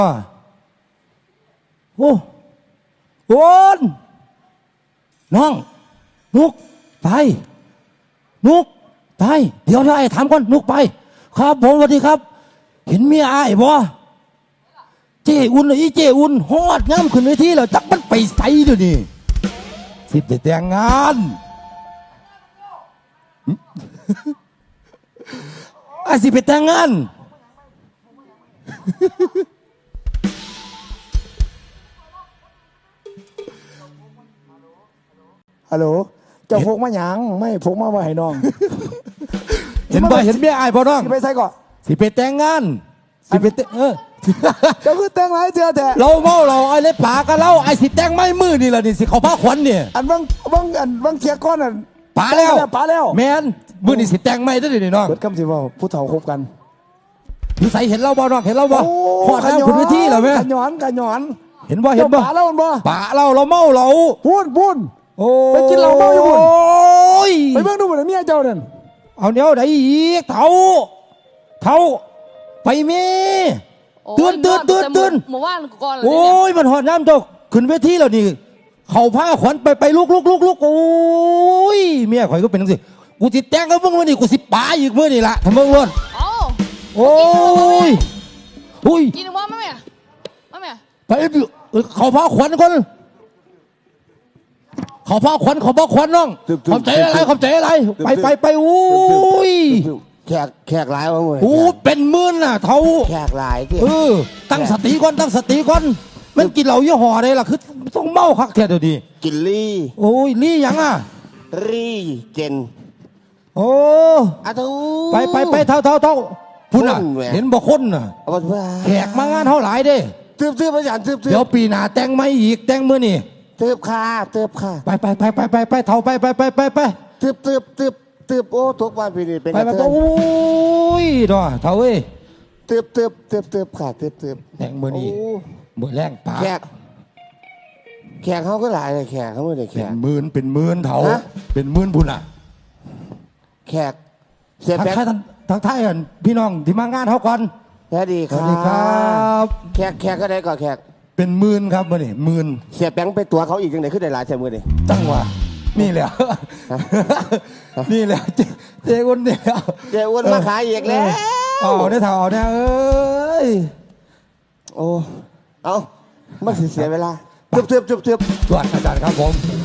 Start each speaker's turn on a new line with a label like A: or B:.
A: โอ้โอนน้องนุกไปนุกไปเดี๋ยวไอ้ถามก่อนนุกไปครับผมสวัสดีครับเห็นเมียไอ้บ่เจ้อุ่นเลยเจ้อุ่นฮอดงามขึ้นเวทีแล้วจักมันไปใส่เดี๋ยวนี้สิไปแต่งงานไอ้สิไปแต่งงาน
B: ฮัลโหลเจ้าพกมาหยังไม่พกมาไว้ให้น้อง
A: เห็นบ่เห็นเมียไอ้บ่น้อง
B: สิไปใส่ก่อน
A: สิไปแต่งงานสิไปแต่ง
B: เจ้าคือแต่งไรเจ้าแต่
A: เราเมาเราไอ้เล็บปากกันเราไอ้สิแต่งไม่มือนี่แหละนี่สิเขาผ้าขวัญเนี่ย
B: อันบางเทียก้อน
A: ป่าแล้ว
B: แม
A: นมือนี่สิแต่งไม่ได้ดิน้อง
B: เปิดคำสิว่าผู้เฒ่าคบกัน
A: พี่ใส่เห็นเราบ่น้องเห็นเราบ่ขอดแล้วคุณวิธีเหรอแม่
B: กันหย้อน
A: เห็นบ่
B: ป่าเราบ่
A: ป่าเราเมาเรา
B: พูน
A: โอ้
B: ไปกินเหล้าเมาอยู่พูน
A: ย
B: ไปเบิ่งดูบ่เมียเจ้านั่น
A: เอาเนี้ยได้อีกเท่าไปเมีตื่น
C: เมื่อวานก่อนเลย
A: โอ้ยมันหอดน้ำเจ้าขึ้นเวทีแล้วนี่เขาพาขวัญไปลุกโอ้ยเมียข่อยก็เป็นจังซี่กูสิแต่งกับมึงมื้อนี้กูสิป๋าอีกมื้อนี่ล่ะทำมึงล้วนโอ้ย
C: กินว่าแม่
A: ไปเขาพาขวัญคนเขาพาขวัญน้องขอบใจอะไรไปโอ้ย
B: แขกหลายวะมึง
A: โอ้เป็นหมื่นน่ะเท่า
B: แขกหลายที่
A: ตั้งสติก่อนมันกินเหล้ายี่ห้ออะไรล่ะคือต้องเมาคักแท้เดี๋ยวนี้
B: กินลี่
A: โอ้ยลี่ยังอ่ะ
B: ลี่เจน
A: โอ้
B: อะทู
A: ไปเท่าพุ่นอ่ะเห็นบ่คนน่ะแขกมางานเท่าหลายเด้
B: ตืบอาจารย์ตืบ
A: เดี๋ยวปีหน้าแต่งไม่อีกแต่งมื้อนี่
B: ตืบค่ะ
A: ไปเท่าไป
B: ตืบโอ้ทุกวันปีนี้เป็น
A: ไปโอ้ยดอเท่าเอ้ย
B: ตืบค่ะตืบ
A: แต่งมื้อนี้มื้อแรงป่า
B: แขกเขาก็หลายเลยแขกเขาไม่ได้แขก
A: เป็นหมื่นเท่าเป็นหมื่นพุ่นอ่ะ
B: แขกเสียแป๊ก
A: ทักทายกันพี่น้องที่มางานเท่ากัน
B: สวัสดีครับแขกก็ได้ก่อนแขก
A: เป็นหมื่นครับมื้อนี้หมื่น
B: เสียแป้งไปตัวเขาอีกยังไงขึ้นได้หลายแถมมือนี่
A: จังหวะนี่แหละเจ้อ้วนเนี่ย
B: เจ้อ้วนมาขายอีกแล้ว
A: ได้เท่าเนี่ยเอ้ย
B: โอ้เอาไม่เสียเวลาเทือบ
A: จวดอาจารย์ครับผม